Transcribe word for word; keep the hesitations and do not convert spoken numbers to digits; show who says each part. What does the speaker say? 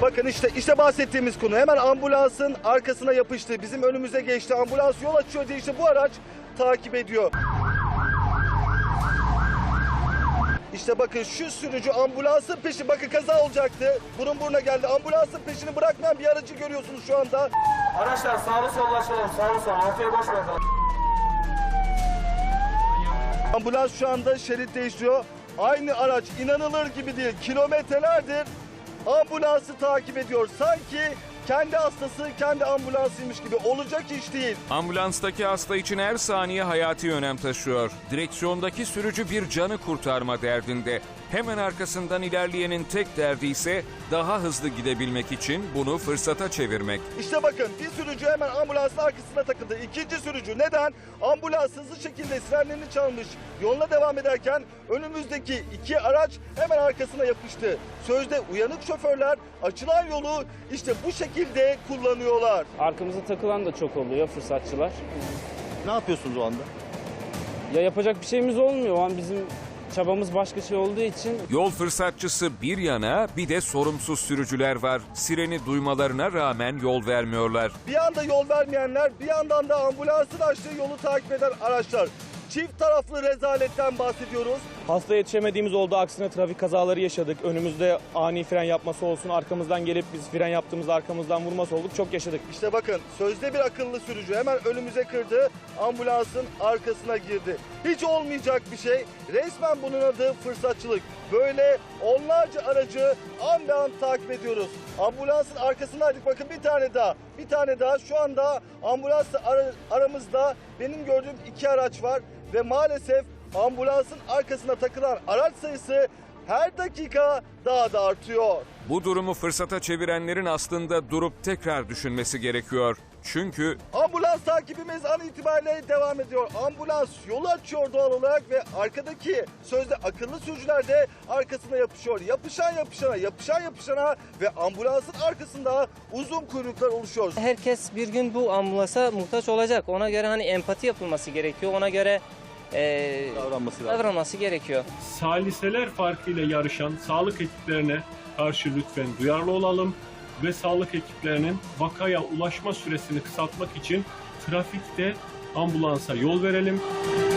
Speaker 1: Bakın işte işte bahsettiğimiz konu. Hemen ambulansın arkasına yapıştı. Bizim önümüze geçti. Ambulans yol açıyor diye işte bu araç takip ediyor. İşte bakın şu sürücü ambulansın peşi, bakın kaza olacaktı. Burun buruna geldi. Ambulansın peşini bırakmayan bir aracı görüyorsunuz şu anda.
Speaker 2: Araçlar sağlı sollaşalım, sağlı sol, ortaya boş bırakalım.
Speaker 1: Ambulans şu anda şerit değiştiriyor. Aynı araç inanılır gibi değil. Kilometrelerdir ambulansı takip ediyor. Sanki kendi hastası kendi ambulansıymış gibi. Olacak iş değil.
Speaker 3: Ambulanstaki hasta için her saniye hayati önem taşıyor. Direksiyondaki sürücü bir canı kurtarma derdinde. Hemen arkasından ilerleyenin tek derdi ise daha hızlı gidebilmek için bunu fırsata çevirmek.
Speaker 1: İşte bakın bir sürücü hemen ambulansın arkasına takıldı. İkinci sürücü neden? Ambulans hızlı şekilde sirenlerini çalmış. Yoluna devam ederken önümüzdeki iki araç hemen arkasına yapıştı. Sözde uyanık şoförler açılan yolu işte bu şekilde kullanıyorlar.
Speaker 4: Arkamıza takılan da çok oluyor, fırsatçılar.
Speaker 1: Ne yapıyorsunuz o anda?
Speaker 4: Ya yapacak bir şeyimiz olmuyor. O an bizim çabamız başka şey olduğu için.
Speaker 3: Yol fırsatçısı bir yana, bir de sorumsuz sürücüler var. Sireni duymalarına rağmen yol vermiyorlar.
Speaker 1: Bir anda yol vermeyenler, bir yandan da ambulansın açtığı yolu takip eden araçlar. Çift taraflı rezaletten bahsediyoruz.
Speaker 5: Hasta yetişemediğimiz oldu. Aksine trafik kazaları yaşadık. Önümüzde ani fren yapması olsun. Arkamızdan gelip biz fren yaptığımızda arkamızdan vurması olduk. Çok yaşadık.
Speaker 1: İşte bakın sözde bir akıllı sürücü hemen önümüze kırdı, ambulansın arkasına girdi. Hiç olmayacak bir şey. Resmen bunun adı fırsatçılık. Böyle onlarca aracı an be an takip ediyoruz. Ambulansın arkasındaydık, bakın bir tane daha. Bir tane daha şu anda ambulansla ara, aramızda benim gördüğüm iki araç var. Ve maalesef ambulansın arkasına takılan araç sayısı her dakika daha da artıyor.
Speaker 3: Bu durumu fırsata çevirenlerin aslında durup tekrar düşünmesi gerekiyor. Çünkü
Speaker 1: Ambulans takibimiz an itibariyle devam ediyor. Ambulans yolu açıyor doğal olarak ve arkadaki sözde akıllı sürücüler de arkasına yapışıyor. Yapışan yapışana, yapışan yapışana ve ambulansın arkasında uzun kuyruklar oluşuyor.
Speaker 6: Herkes bir gün bu ambulansa muhtaç olacak. Ona göre hani empati yapılması gerekiyor. Ona göre e,
Speaker 1: Davranması lazım.
Speaker 6: davranması gerekiyor.
Speaker 7: Saliseler farkıyla yarışan sağlık ekiplerine karşı lütfen duyarlı olalım ve sağlık ekiplerinin vakaya ulaşma süresini kısaltmak için trafikte ambulansa yol verelim.